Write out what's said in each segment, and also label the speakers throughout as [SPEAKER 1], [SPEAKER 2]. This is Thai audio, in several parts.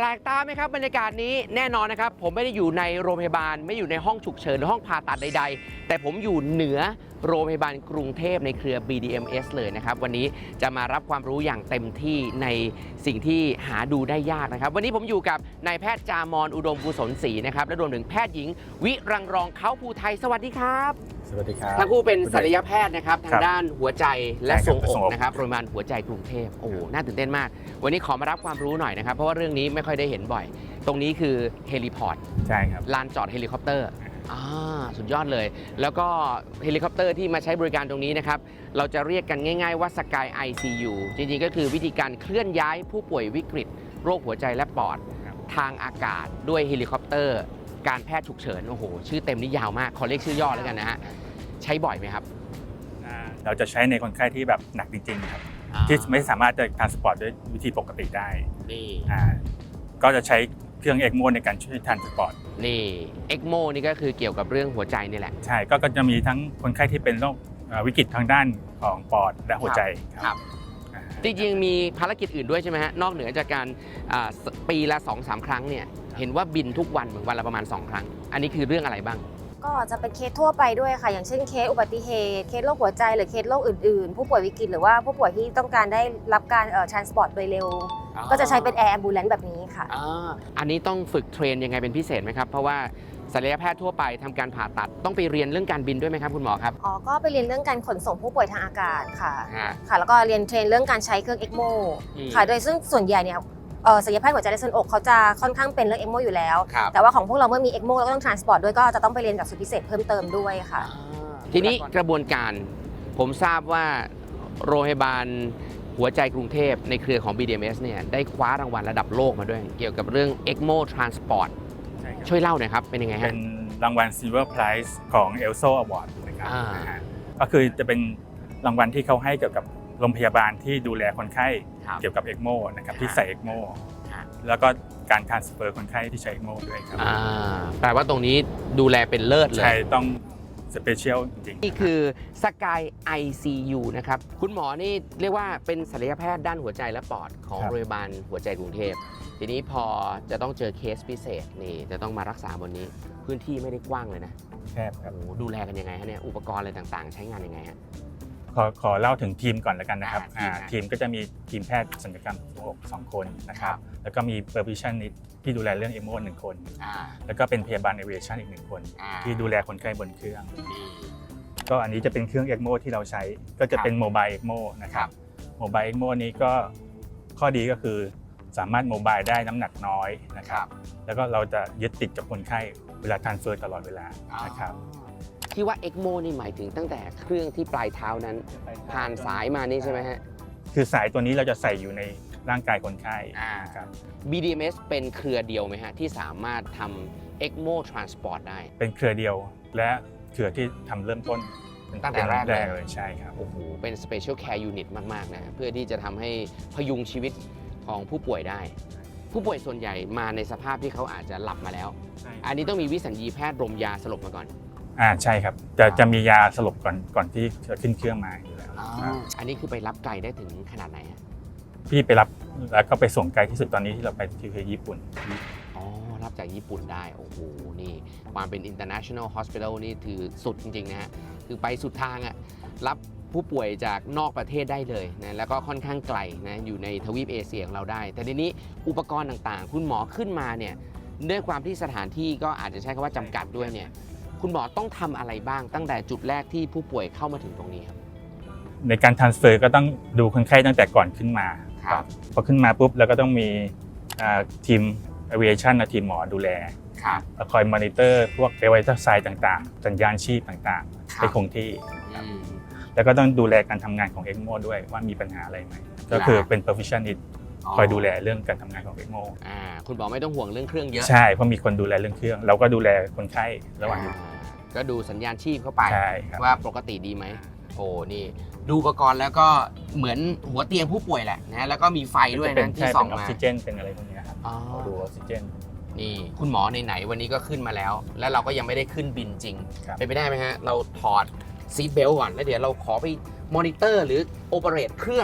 [SPEAKER 1] ปลกตาไหมครับบรรยากาศนี้แน่นอนนะครับผมไม่ได้อยู่ในโรงพยาบาลไม่อยู่ในห้องฉุกเฉินหรือห้องผ่าตัดใดๆแต่ผมอยู่เหนือโรงพยาบาลกรุงเทพในเครือ BDMS เลยนะครับวันนี้จะมารับความรู้อย่างเต็มที่ในสิ่งที่หาดูได้ยากนะครับวันนี้ผมอยู่กับนายแพทย์จามรอุดมกุศลศรีนะครับและรวมถึงแพทย์หญิงวิรังรองเขาภูไทยสวัสดีครับ
[SPEAKER 2] สวัสดีครับ
[SPEAKER 1] ทั้งคู่เป็นศัลยแพทย์นะครับทางด้านหัวใจและทรงอกนะครับโรงพยาบาลหัวใจกรุงเทพโอ้น่าตื่นเต้นมากวันนี้ขอมารับความรู้หน่อยนะครับเพราะว่าเรื่องนี้ไม่ค่อยได้เห็นบ่อยตรงนี้คือเฮลิพอร์ต
[SPEAKER 2] ใช่ครับ
[SPEAKER 1] ลานจอดเฮลิคอปเตอร์สุดยอดเลยแล้วก็เฮลิคอปเตอร์ที่มาใช้บริการตรงนี้นะครับเราจะเรียกกันง่ายๆว่า Sky ICU จริงๆก็คือวิธีการเคลื่อนย้ายผู้ป่วยวิกฤตโรคหัวใจและปอดทางอากาศด้วยเฮลิคอปเตอร์การแพทย์ฉุกเฉินโอ้โหชื่อเต็มนี่ยาวมากขอเรียกชื่อย่อแล้วกันนะฮะใช้บ่อยไหมครับ
[SPEAKER 2] เราจะใช้ในคนไข้ที่แบบหนักจริงๆครับที่ไม่สามารถจะทรานสปอร์ตด้วยวิธีปกติได้
[SPEAKER 1] นี่
[SPEAKER 2] ก็จะใช้เครื่องเอ็กโมในการช่วยทรานสปอร์ต
[SPEAKER 1] นี่เอ็กโมนี่ก็คือเกี่ยวกับเรื่องหัวใจนี่แหละ
[SPEAKER 2] ใช่ก็จะมีทั้งคนไข้ที่เป็นโรควิกฤตทางด้านของปอดและหัวใจ
[SPEAKER 1] ครับจริงๆมีภารกิจอื่นด้วยใช่ไหมฮะนอกเหนือจากการปีละ 2-3 ครั้งเนี่ยเห็นว่าบินทุกวันเหมือนวันละประมาณ2ครั้งอันนี้คือเรื่องอะไรบ้าง
[SPEAKER 3] ก็จะเป็นเคสทั่วไปด้วยค่ะอย่างเช่นเคสอุบัติเหตุเคสโรคหัวใจหรือเคสโรคอื่นๆผู้ป่วยวิกฤตหรือว่าผู้ป่วยที่ต้องการได้รับการทรานสปอร์ตโดยเร็วก็จะใช้เป็นแอร์แอมบูเลนซ์แบบนี้ค่ะ
[SPEAKER 1] อันนี้ต้องฝึกเทรนยังไงเป็นพิเศษไหมครับเพราะว่าศัลยแพทย์ทั่วไปทำการผ่าตัดต้องไปเรียนเรื่องการบินด้วยไหมครับคุณหมอครับ
[SPEAKER 3] ก็ไปเรียนเรื่องการขนส่งผู้ป่วยทางอากาศค่ะแล้วก็เรียนเทรนเรื่องการใช้เครื่องเอ็กโมค่ะโดยซึ่งส่วนใหญ่เนี่ยศัลยแพทย์หัวใจและทรวงอกเขาจะค่อนข้างเป็นเรื่องเอ็กโมอยู่แล้วแต่ว่าของพวกเราเมื่อมีเอ็กโมเราก็ต้องทรานสปอร์ตด้วยก็จะต้องไปเรียนกับสูตรพิเศษเพิ่มเติมด้วยค่ะ
[SPEAKER 1] ทีนี้กระบวนการผมทราบว่าโรงพยาบาลหัวใจกรุงเทพในเครือของ BDMS เนี่ยได้คว้ารางวัลระดับโลกมาด้วยเกี่ยวกับเรื่อง ECMO Transport ช่วยเล่าหน่อยครับเป็นยังไงฮะ
[SPEAKER 2] เป็นรางวัล Silver Prize ของ ELSO Award นะครับก็คือจะเป็นรางวัลที่เขาให้เกี่ยวกับโรงพยาบาลที่ดูแลคนไข้เกี่ยวกับ ECMO นะครับที่ใส่ ECMO แล้วก็การทรานสเฟอร์คนไข้ที่ใช้ ECMO ด้วยครับ
[SPEAKER 1] แปลว่าตรงนี้ดูแลเป็นเลิศเลย
[SPEAKER 2] ใช่ต้องสเปเชียลจริง
[SPEAKER 1] นี่คือ Sky ICU นะครับคุณหมอนี่เรียกว่าเป็นศัลยแพทย์ด้านหัวใจและปอดของโรงพยาบาลหัวใจกรุงเทพทีนี้พอจะต้องเจอเคสพิเศษนี่จะต้องมารักษาบนนี้พื้นที่ไม่ได้กว้างเลยนะ
[SPEAKER 2] แคบครับ
[SPEAKER 1] ดูแลกันยังไงฮะเนี่ยอุปกรณ์อะไรต่างๆใช้งานยังไงฮะ
[SPEAKER 2] ขอเล่าถึงทีมก่อนแล้วกันนะครับทีมก็จะมีทีมแพทย์ศัลยกรรมอก2 คนนะครับแล้วก็มี perfusionist ที่ดูแลเรื่อง ECMO 1 คนแล้วก็เป็นพยาบาล aviation อีก1 คนที่ดูแลคนไข้บนเครื่องก็อันนี้จะเป็นเครื่อง ECMO ที่เราใช้ก็จะเป็น mobile ECMO นะครับ mobile ECMO นี้ก็ข้อดีก็คือสามารถโมบายได้น้ำหนักน้อยนะครับแล้วก็เราจะยึดติดกับคนไข้เวลาทรานสเฟอร์ตลอดเวลานะครับ
[SPEAKER 1] ที่ว่า ECMO นี่หมายถึงตั้งแต่เครื่องที่ปลายเท้านั้นผ่านสายมานี่ใช่ไหมฮะ
[SPEAKER 2] คือสายตัวนี้เราจะใส่อยู่ในร่างกายคนไข้ครับ
[SPEAKER 1] BDMS เป็นเครือเดียวไหมฮะที่สามารถทำ ECMO Transport ได้
[SPEAKER 2] เป็นเครือเดียวและเครือที่ทำเริ่มต้น
[SPEAKER 1] ตั้งแต่แรก
[SPEAKER 2] เลยใช่ครับ
[SPEAKER 1] โอ้โหเป็น Special Care Unit มากๆนะเพื่อที่จะทำให้พยุงชีวิตของผู้ป่วยได้ผู้ป่วยส่วนใหญ่มาในสภาพที่เขาอาจจะหลับมาแล้วอันนี้ต้องมีวิสัญญีแพทย์รมยาสลบมาก่อน
[SPEAKER 2] ใช่ครับจะมียาสลบก่อนที่จะขึ้นเครื่องมาอยู่แล้ว
[SPEAKER 1] อันนี้คือไปรับไกลได้ถึงขนาดไหนฮะ
[SPEAKER 2] พี่ไปรับแล้วก็ไปส่งไกลที่สุดตอนนี้ที่เราไปที่ญี่ปุ่น
[SPEAKER 1] รับจากญี่ปุ่นได้โอ้โหนี่ความเป็น international hospital นี่ถือสุดจริงๆนะฮะคือไปสุดทางอ่ะรับผู้ป่วยจากนอกประเทศได้เลยนะแล้วก็ค่อนข้างไกลนะอยู่ในทวีปเอเชียของเราได้แต่ทีนี้อุปกรณ์ต่างๆคุณหมอขึ้นมาเนี่ยด้วยความที่สถานที่ก็อาจจะใช้คำว่าจำกัดด้วยเนี่ยคุณหมอต้องทำอะไรบ้างตั้งแต่จุดแรกที่ผู้ป่วยเข้ามาถึงตรงนี้ครับ
[SPEAKER 2] ในการทรานสเฟอร์ก็ต้องดูคนไข้ตั้งแต่ก่อนขึ้นมาพอขึ้นมาปุ๊บแล้วก็ต้องมีทีม aviation และทีมหมอดูแลคอยมอนิเตอร์พวกไวทัลไซน์ต่างๆสัญญาณชีพต่างๆให้คงที่แล้วก็ต้องดูแลการทำงานของ ECMO ด้วยว่ามีปัญหาอะไรไหมก็คือเป็น perfusionist คอยดูแลเรื่องการทำงานของ ECMO
[SPEAKER 1] คุณหมอไม่ต้องห่วงเรื่องเครื่องเยอะ
[SPEAKER 2] ใช่เพราะมีคนดูแลเรื่องเครื่องเราก็ดูแลคนไข้ระหว่างอยู่
[SPEAKER 1] ก็ดูสัญญาณชีพเข้าไปว่าปกติดีไหมโอ้นี่ดูอุปกรณ์แล้วก็เหมือนหัวเตียงผู้ป่วยแหละนะแล้วก็มีไฟด้วยนะที่ส่องมา
[SPEAKER 2] ออกซิเจนเป็นอะไรพวกนี้ครับดูออกซิเจน
[SPEAKER 1] นี่คุณหมอไหนวันนี้ก็ขึ้นมาแล้วแล้วเราก็ยังไม่ได้ขึ้นบินจริงเป็นไปได้ไหมฮะเราถอดซีทเบลต์ก่อนแล้วเดี๋ยวเราขอไปมอนิเตอร์หรือโอเปเรตเครื่อง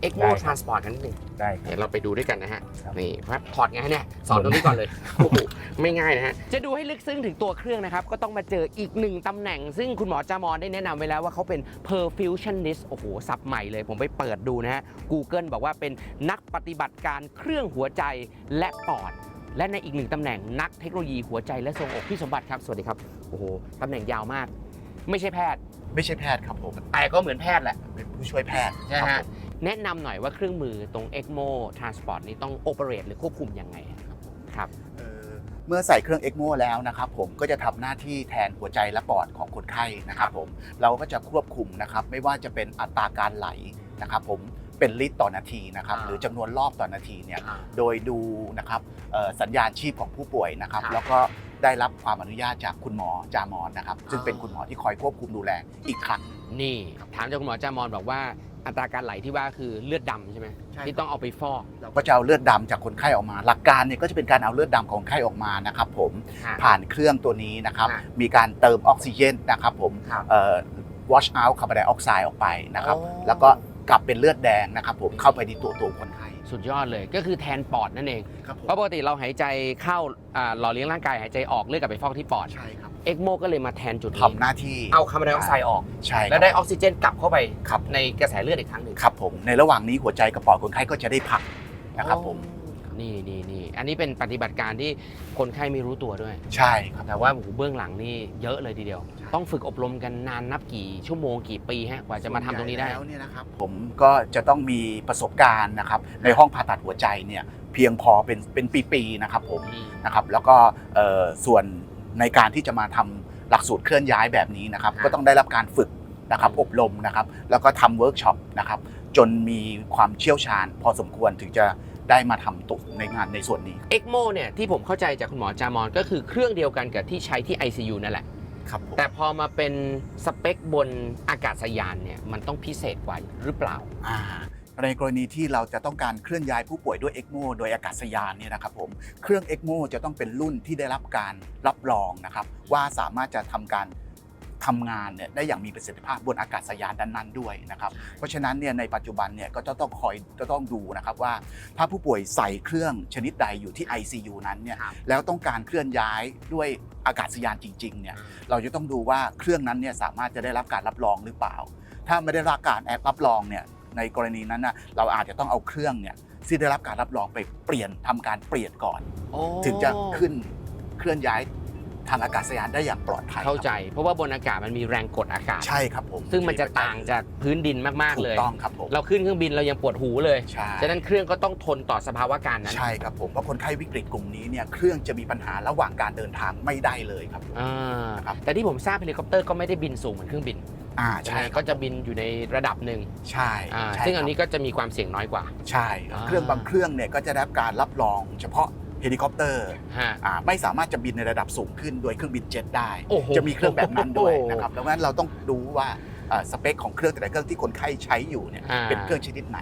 [SPEAKER 1] ECMO
[SPEAKER 2] ได้ครับ
[SPEAKER 1] Transport กันนิดนึง
[SPEAKER 2] ได้ค
[SPEAKER 1] เดี๋
[SPEAKER 2] รั
[SPEAKER 1] ย
[SPEAKER 2] บ
[SPEAKER 1] วเราไปดูด้วยกันนะฮะ
[SPEAKER 2] ครับ
[SPEAKER 1] นี่ครับถอดไงฮะเนี่ยสอนตรงนี้ก่อนเลย โอ้โหไม่ง่ายนะฮะ จะดูให้ลึกซึ้งถึงตัวเครื่องนะครับ ก็ต้องมาเจออีกหนึ่งตำแหน่ง ซึ่งคุณหมอจามอนได้แนะนำไว้แล้วว่าเขาเป็น perfusionist โอ้โหศัพท์ใหม่เลยผมไปเปิดดูนะฮะ Google บอกว่าเป็นนักปฏิบัติการเครื่องหัวใจและปอด และในอีกหนึ่งตำแหน่งนักเทคโนโลยีหัวใจและทรวงอกพี่สมบัติครับสวัสดีครับโอ้โหตำแหน่งยาวมาก ไม่ใช่แพทย์
[SPEAKER 4] ไม่ใช่แพทย์ครับผม
[SPEAKER 1] แต่ก็เหมือนแพทย์แหละ
[SPEAKER 4] เป็นผู้ช่วยแพทย์
[SPEAKER 1] ใช่
[SPEAKER 4] ครับ
[SPEAKER 1] ฮะ
[SPEAKER 4] ผม
[SPEAKER 1] แนะนำหน่อยว่าเครื่องมือตรง ECMO Transport นี้ต้อง operate หรือควบคุมยังไงครับ
[SPEAKER 4] เมื่อใส่เครื่องเอ็กโมแล้วนะครับผมก็จะทำหน้าที่แทนหัวใจและปอดของคนไข้นะครับผมเราก็จะควบคุมนะครับไม่ว่าจะเป็นอัตราการไหลนะครับผมเป็นลิตรต่อนาทีนะครับหรือจำนวนรอบต่อนาทีเนี่ยโดยดูนะครับสัญญาณชีพของผู้ป่วยนะครับแล้วก็ได้รับความอนุญาตจากคุณหมอจามอนนะครับซึ่งเป็นคุณหมอที่คอยควบคุมดูแลอีกครั้ง
[SPEAKER 1] นี่ถามจากคุณหมอจามอนบอกว่าอัตราการไหลที่ว่าคือเลือดดำใช่ไหม
[SPEAKER 4] ใช่
[SPEAKER 1] ที่ต้องเอาไปฟอก
[SPEAKER 4] เราก็จะเอาเลือดดำจากคนไข้ออกมา หลักการเนี่ยก็จะเป็นการเอาเลือดดำของคนไข้ออกมานะครับผมผ่านเครื่องตัวนี้นะครับมีการเติมออกซิเจนนะครับผมwash out คาร์บอนไดออกไซด์ออกไปนะครับแล้วก็กลับเป็นเลือดแดงนะครับผมเข้าไปในตัวคนไข้
[SPEAKER 1] สุดยอดเลยก็คือแทนปอดนั่นเอง
[SPEAKER 4] ครับผม
[SPEAKER 1] เพราะปกติเราหายใจเข้าหล่อเลี้ยงร่างกายหายใจออกเลือดกลับไปฟอกที่ปอด
[SPEAKER 4] ใช่ครับ
[SPEAKER 1] ECMO ก็เลยมาแทนจุดนี้
[SPEAKER 4] ทำหน้าที่
[SPEAKER 1] เอาคาร์บอนไดออกไซด์ออก
[SPEAKER 4] ใช่ครับ
[SPEAKER 1] แล้วได้ออกซิเจนกลับเข้าไป
[SPEAKER 4] ครับ
[SPEAKER 1] ในกระแสเลือดอีกครั้งหนึ่ง
[SPEAKER 4] ครับผมในระหว่างนี้หัวใจกับปอดคนไข้ก็จะได้พักนะครับผม
[SPEAKER 1] นี่อันนี้เป็นปฏิบัติการที่คนไข้ไม่รู้ตัวด้วย
[SPEAKER 4] ใช่ครับ
[SPEAKER 1] แต่ว่าโอ้โหเบื้องหลังนี่เยอะเลยทีเดียว
[SPEAKER 4] ใช่
[SPEAKER 1] ต้องฝึกอบรมกันนานนับกี่ชั่วโมงกี่ปีฮะกว่าจะมาทำตรงนี้ได้
[SPEAKER 4] แล้วเนี่ยนะครับผมก็จะต้องมีประสบการณ์นะครับในห้องผ่าตัดหัวใจเนี่ยเพียงพอเป็นปีๆนะครับผมนะครับแล้วก็ส่วนในการที่จะมาทำหลักสูตรเคลื่อนย้ายแบบนี้นะครับ
[SPEAKER 1] ครับ
[SPEAKER 4] ก็ต้องได้รับการฝึกนะครับอบรมนะครับแล้วก็ทำเวิร์กช็อปนะครับจนมีความเชี่ยวชาญ พอสมควรถึงจะได้มาทำตุกในงานในส่วนนี้
[SPEAKER 1] ECMO เนี่ยที่ผมเข้าใจจากคุณหมอจามอนก็คือเครื่องเดียวกันกับที่ใช้ที่ ICU นั่นแหละ
[SPEAKER 4] ครับผม
[SPEAKER 1] แต่พอมาเป็นสเปคบนอากาศยานเนี่ยมันต้องพิเศษกว่าหรือเปล่า
[SPEAKER 4] ในกรณีที่เราจะต้องการเคลื่อนย้ายผู้ป่วยด้วยเอ็กโมโดยอากาศยานเนี่ยนะครับผมเครื่องเอ็กโมจะต้องเป็นรุ่นที่ได้รับการรับรองนะครับว่าสามารถจะทำการทำงานเนี่ยได้อย่างมีประสิทธิภาพบนอากาศยานนั้นๆด้วยนะครับเพราะฉะนั้นเนี่ยในปัจจุบันเนี่ยก็จะต้องดูนะครับว่าถ้าผู้ป่วยใส่เครื่องชนิดใดอยู่ที่ ICU นั้นเนี่ย
[SPEAKER 1] ครับ
[SPEAKER 4] แล้วต้องการเคลื่อนย้ายด้วยอากาศยานจริงๆเนี่ยเราจะต้องดูว่าเครื่องนั้นเนี่ยสามารถจะได้รับการรับรองหรือเปล่า ถ้าไม่ได้รับการรับรองเนี่ยในกรณีนั้นนะเราอาจจะต้องเอาเครื่องเนี่ยที่ได้รับการรับรองไปทำการเปลี่ยนก่อน ถึงจะขึ้นเคลื่อนย้ายทางอากาศยานได้อย่างปลอดภัย
[SPEAKER 1] เข้าใจ เพราะว่าบนอากาศมันมีแรงกดอากาศ
[SPEAKER 4] ใช่ครับผม
[SPEAKER 1] ซึ่งมันจะต่างจากพื้นดินมากๆ
[SPEAKER 4] ถู
[SPEAKER 1] เล
[SPEAKER 4] ก
[SPEAKER 1] ย
[SPEAKER 4] ต้องครับผม
[SPEAKER 1] เราขึ้นเครื่องบินเรายังปวดหูเลย
[SPEAKER 4] ใช่
[SPEAKER 1] ฉะนั้นเครื่องก็ต้องทนต่อสภาวะการนั้น
[SPEAKER 4] ใช่ครับผมเพราะคนไข้วิกฤตกลุ่มนี้เนี่ยเครื่องจะมีปัญหาระหว่างการเดินทางไม่ได้เลยครับ
[SPEAKER 1] อ่า
[SPEAKER 4] ครับ
[SPEAKER 1] แต่ที่ผมทราบเฮลิคอปเตอร์ก็ไม่ได้บินสูงเหมือนเครื่องบิน
[SPEAKER 4] ใช่
[SPEAKER 1] ก็จะบินอยู่ในระดับหนึ่ง
[SPEAKER 4] ใช่
[SPEAKER 1] ใช่ซึ่งอันนี้ก็จะมีความเสี่ยงน้อยกว่า
[SPEAKER 4] ใช่ครับเครื่องบางเครื่องเนี่ยก็จะได้รับการรับรองเฉพาะเฮลิคอปเตอร์
[SPEAKER 1] ฮะ
[SPEAKER 4] ไม่สามารถจะบินในระดับสูงขึ้นโดยเครื่องบินเจ็ตได้
[SPEAKER 1] โอ้โห
[SPEAKER 4] จะมีเครื่องแบบนั้นด้วยนะครับดังนั้นเราต้องดูว่าสเปคของเครื่องแต่ละเครื่องที่คนไข้ใช้อยู่เนี่ยเป็นเครื่องชนิดไหน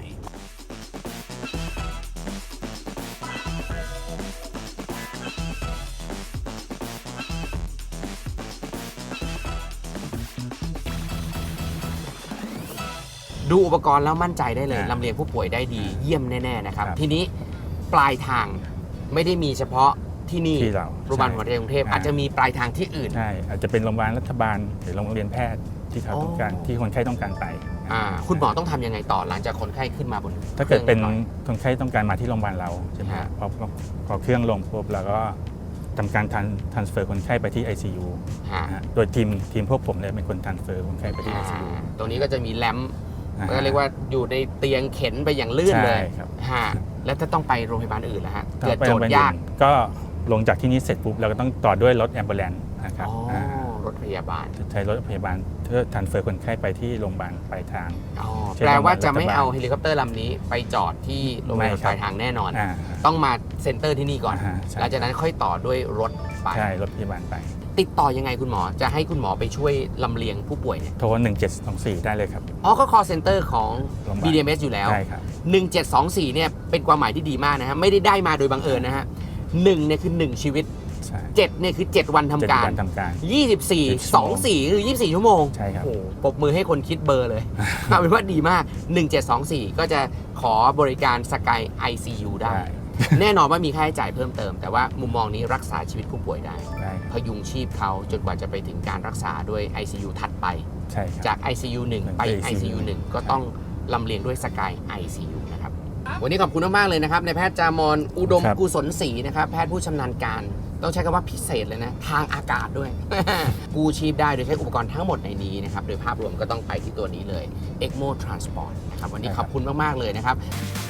[SPEAKER 1] ดูอุปกรณ์แล้วมั่นใจได้เลย
[SPEAKER 2] อ่า
[SPEAKER 1] ลำเลียงผู้ป่วยได้ดีเยี่ยมแน่ๆนะครับ
[SPEAKER 2] ครับ
[SPEAKER 1] ทีนี้ปลายทางไม่ได้มีเฉพาะที่นี่
[SPEAKER 2] ที่เรา
[SPEAKER 1] โรงพยาบาลหัวใจกรุงเทพอาจจะมีปลายทางที่อื่น
[SPEAKER 2] ใช่อาจจะเป็นโรงพยาบาลรัฐบาลหรือโรงเรียนแพทย์ที่เขาต้องการ
[SPEAKER 1] อ๋อ
[SPEAKER 2] ที่คนไข้ต้องการไป
[SPEAKER 1] คุณหมอต้องทำยังไงต่อหลังจากคนไข้ขึ้นมาบน
[SPEAKER 2] ถ้าเกิดเป็น
[SPEAKER 1] ครื่อง
[SPEAKER 2] คนไข้ต้องการมาที่โรงพยาบาลเราใช่ไหม
[SPEAKER 1] ฮะ
[SPEAKER 2] พอเครื่องลงปุ๊บเราก็ทำการtransfer คนไข้ไปที่ ICU
[SPEAKER 1] ฮะ
[SPEAKER 2] นะฮะโดยทีมพวกผมเลยเป็นคน transfer คนไข้ไปที่ ICU
[SPEAKER 1] ตรงนี้ก็จะมีแรมป์
[SPEAKER 2] อ่า
[SPEAKER 1] ก็เรียกว่าอยู่ในเตียงเข็นไปอย่างลื่นเลย
[SPEAKER 2] ใช่ครับ
[SPEAKER 1] ฮะแล้วถ้าต้องไปโรงพยาบาลอื่นล่ะฮะ
[SPEAKER 2] ถ้า
[SPEAKER 1] เกิด
[SPEAKER 2] ไป
[SPEAKER 1] โจ
[SPEAKER 2] โรง
[SPEAKER 1] ท
[SPEAKER 2] พยา
[SPEAKER 1] ย์
[SPEAKER 2] บาล
[SPEAKER 1] ยาก
[SPEAKER 2] อื่นก็ลงจากที่นี่เสร็จปุ๊บเราก็ต้องต่อด้วยรถแอมบูเลนซ์นะครับ
[SPEAKER 1] อ๋อรถพยาบาล
[SPEAKER 2] ใช้รถพยาบาลเพื่อ transfer คนไข้ไปที่โรงพยาบาลปลายทาง
[SPEAKER 1] อ๋อ
[SPEAKER 2] ใช่
[SPEAKER 1] แปลว่าจะ
[SPEAKER 2] โรงพยาบาล
[SPEAKER 1] ไม่เอาเฮลิคอปเตอร์ลำนี้ไปจอดที่โรงพยาบาล
[SPEAKER 2] ไม่ครับ
[SPEAKER 1] ปลายทางแน่นอน
[SPEAKER 2] อ่า
[SPEAKER 1] ต้องมาเซ็นเตอร์ที่นี่ก่อน
[SPEAKER 2] ใช่
[SPEAKER 1] หลังจากนั้นค่อยต่อด้วยรถไป
[SPEAKER 2] ใช่รถพยาบาลไป
[SPEAKER 1] ติดต่อยังไงคุณหมอจะให้คุณหมอไปช่วยลำเลียงผู้ป่วยเนี่ย
[SPEAKER 2] โทร 1724 ได้เลยครับ
[SPEAKER 1] อ๋อก็ call center ของ
[SPEAKER 2] โรงพยาบาล
[SPEAKER 1] BDMS อยู่แล้ว
[SPEAKER 2] ใช่ครับ
[SPEAKER 1] 1724เนี่ยเป็นความหมายที่ดีมากนะฮะไม่ได้มาโดยบังเอิญนะฮะ1เนี่ยคือ1ชีวิต
[SPEAKER 2] ใช่
[SPEAKER 1] 7เนี่ยคือ 7 วันทำ
[SPEAKER 2] 7
[SPEAKER 1] การ
[SPEAKER 2] วันทำการ
[SPEAKER 1] 24 24 คือ 24 ชั่วโมง
[SPEAKER 2] ใช่ครับ
[SPEAKER 1] โอ้โหปรบมือให้คนคิดเบอร์เลย เอาเป็นว่าดีมาก 1724 ก็จะขอบริการสกาย ICU ได้ แน่นอนว่ามีค่าใช้จ่ายเพิ่มเติม แต่ว่ามุมมองนี้รักษาชีวิตผู้ป่วยได้
[SPEAKER 2] ได้ค
[SPEAKER 1] พ
[SPEAKER 2] รับ
[SPEAKER 1] ยุงชีพเขาจนกว่าจะไปถึงการรักษาด้วย ICU ถัดไป
[SPEAKER 2] ใช่ครับ
[SPEAKER 1] จาก ICU 1 ไป ICU 1 ก็ต้องลำเลียงด้วยสกาย ICU นะครับ วันนี้ขอบคุณมากๆเลยนะครับในายแพทย์จามอนอุดม
[SPEAKER 2] ครับ
[SPEAKER 1] กุศลศรีนะครับแพทย์ผู้ชำนาญการ ต้องใช้คำว่าพิเศษเลยนะ ทางอากาศด้วย กู้ชีพได้โดยใช้อุปกรณ์ทั้งหมดในนี้นะครับ โดยภาพรวมก็ต้องไปที่ตัวนี้เลย ECMO Transport นะครับวันนี้ขอบคุณมากๆเลยนะครับ